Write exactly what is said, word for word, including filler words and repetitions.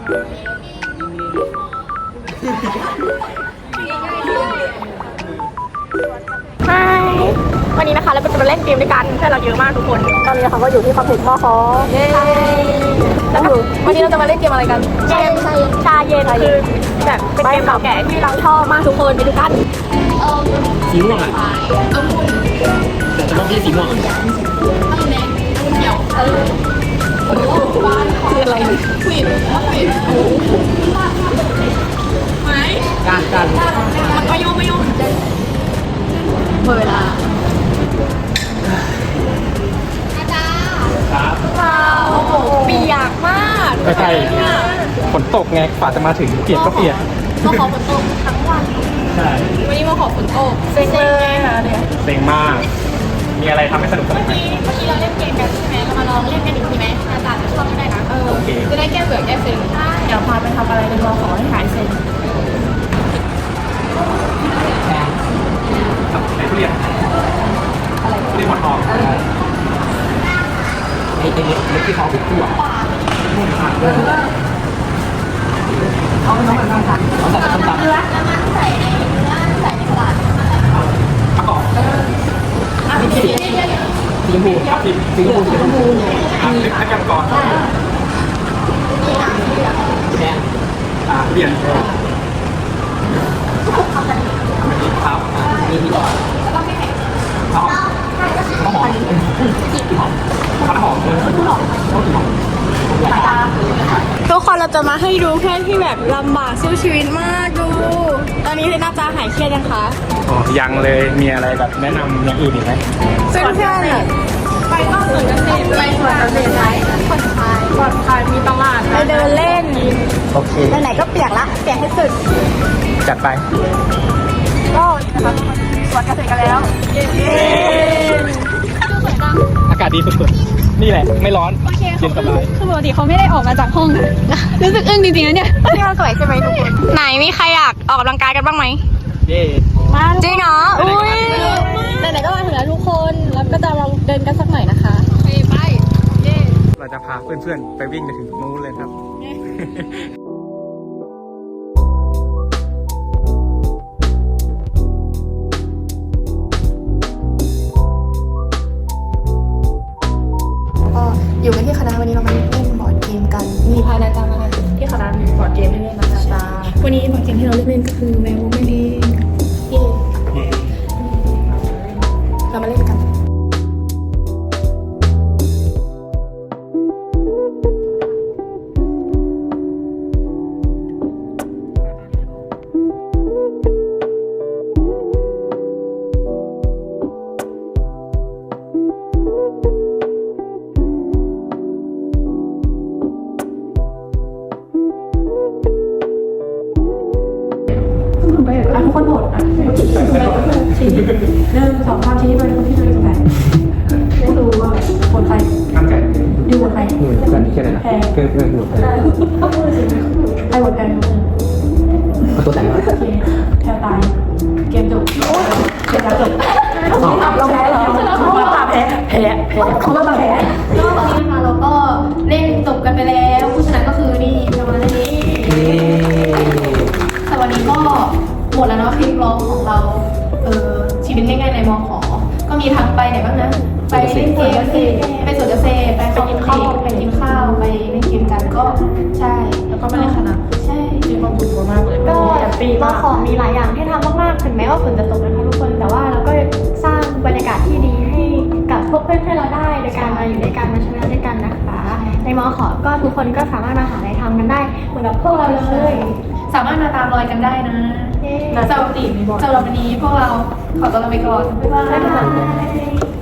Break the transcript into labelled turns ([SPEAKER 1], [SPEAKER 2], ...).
[SPEAKER 1] ฮายวันนี้นะคะเราจะมาเล่นเกมด้วยกันเพื่อนเราเยอะมากทุกคนตอนนี้เขาก็อยู่ที่คอมเพล็กซ์มอคอเย้แล้ววันนี้เราจะมาเล่นเกมอะไรกันเกมชาเย็นคือแบบเป็นเกมเก่าแก่ที่เราชอบมากทุกคนไปดูกัน
[SPEAKER 2] สีม่วงอ่ะแต่จะต้องที่สีม่วงอ่ะ
[SPEAKER 1] คืออะไรควิดควิดไหม
[SPEAKER 2] การการ
[SPEAKER 1] มันก็โยกไม่โยกหมดเวลาอาจารย์ครับโอ้โหเปียกมาก
[SPEAKER 2] ใช่ฝนตกไงกว่าจะมาถึงเปียกก็เปียก
[SPEAKER 1] มาขอฝนตกทั้งวัน
[SPEAKER 2] ใช่
[SPEAKER 1] วันนี้มาขอฝนตกเซ็งเลยค่ะเนี่ย
[SPEAKER 2] เซ็งมากมีอะไรทำให้สนุกสนานไหม
[SPEAKER 1] เมื่อกี้เราเล่นเกมกันใช่ไหมเรามาลองเล่นกันอีกทีไหมอาจารย์จะชอบได้นะเออจะได้แก้เบื่อแก้เซ็งเดี๋ยวพาไปทำอะไรกันรอขอให้หายเซ็ง
[SPEAKER 2] ไหนทุเรียนอะไรทุเรียนหมอนทองไอ้ไอ้เล็กเล็กที่เขาติดตัวนุ่มขาดเลยเอาไปน้องเหมือนกันค่ะเอาใส่ต้มตำ
[SPEAKER 1] เนื้อแล้วมันใส่ในเนื้อใส่ในกระดาษ
[SPEAKER 2] ประกอบ
[SPEAKER 1] อ่ะสี
[SPEAKER 2] สีชมพูครับสีสีชมพูสีชมพูอ่ะเล็กแค่ก่อนแดงอ่าเปลี่ยนครับมีที่ก่อนหอมหอมหอมหอม
[SPEAKER 1] ทุกคนเราจะมาให้ดูเพื่อนที่แบบลำบากสู้ชีวิตมากดูตอนนี้เลยน่าจะหายเครียดยังคะ
[SPEAKER 2] อ๋อยังเลยมีอะไรแบบแนะนำอย่างอื่นอีกไหม
[SPEAKER 1] เพื่อนเพื่อนไปก็สวนเกษตรไปสวนเกษตรไรผ่อนคลายผ่อนคลายมีตลาดไปเดินเล่น
[SPEAKER 2] โอเค
[SPEAKER 1] ไหนๆก็เปียกละเปียกให้สุด
[SPEAKER 2] จัดไป
[SPEAKER 1] ก็นะครับสวนเกษตรกันแล้วเย้
[SPEAKER 2] อากาศดีสุดๆนี่แหละไม่ร้อนเย็นสบาย
[SPEAKER 3] คือปกติเขาไม่ได้ออกมาจากห้องนะรู้สึกอึ้งจริงๆนะเนี่ย
[SPEAKER 1] ที่เราสวยใช่ไหมทุกคนไหนมีใครอยากออกกำลังกายกันบ้างไหม
[SPEAKER 2] เย่
[SPEAKER 1] จริงเหรออุ้ย
[SPEAKER 3] ไหนๆก็มาถึงแล้วทุกคนแล้วก็จะลองเดินกันสักหน่อยนะคะ
[SPEAKER 1] ไปไปเย่
[SPEAKER 2] เราจะพาเพื่อนๆไปวิ่งไปถึงนู้นเลยครับ
[SPEAKER 1] อยู่กันที่คณะวันนี้เรามาเล่นบอร์ดเกมกันมีพายนาจามาที่คณะมีบอร์ดเกมให้เล่นนะจ๊ะวันนี้บอร์ดเกมที่เราเล่นก็คือแมวนั่นเองเย่เรามาเล่นกันทุกคนโหดอ่ะชี้หนึ่งสองสามชี้ไปคนที่ดูตรงไหนไม่รู้ว่าคนใครดูคนใครดูคนนี้แค่ไหนนะเกินเกินดูใครใครหมดแพ้
[SPEAKER 2] เอาตัวแต่งมา
[SPEAKER 1] โอเคแพ้ตายเกมจบโอ้ยเกมจบเราแพ้เหรอเราแพ้แพ้แพ้เขาไม่มาแพ้ก็ตอนนี้นะคะเราก็เล่นจบกันไปแล้วผู้ชนะก็คือนี่ประมาณนี้แต่วันนี้ก็หมดแล้วเนาะคลิปร้องของเราเออชีวิตง่ายๆในมอขอก็มีทั้งไปไหนบ้างนะไปเล่นเกมไปสวนเกษตรไปกินข้าวไปกินข้าวไปเล่นเกมกันก็ใช่แล้วก็ไปเล่นคณะใช่มีความสุขมากเลยก็มอขอมีหลายอย่างให้ทำมากๆถึงแม้ว่าฝนจะตกนะคะทุกคนแต่ว่าเราก็สร้างบรรยากาศที่ดีให้กับพวกเพื่อนๆเราได้โดยการมาอยู่ด้วยกันมาชนะด้วยกันนะคะในมอขอก็ทุกคนก็สามารถมาหาอะไรทำกันได้เหมือนกับพวกเราเลยสามารถมาตามรอยกันได้นะสำหรับวันนี้พวกเราขอตัวลาไปก่อนบ๊ายบาย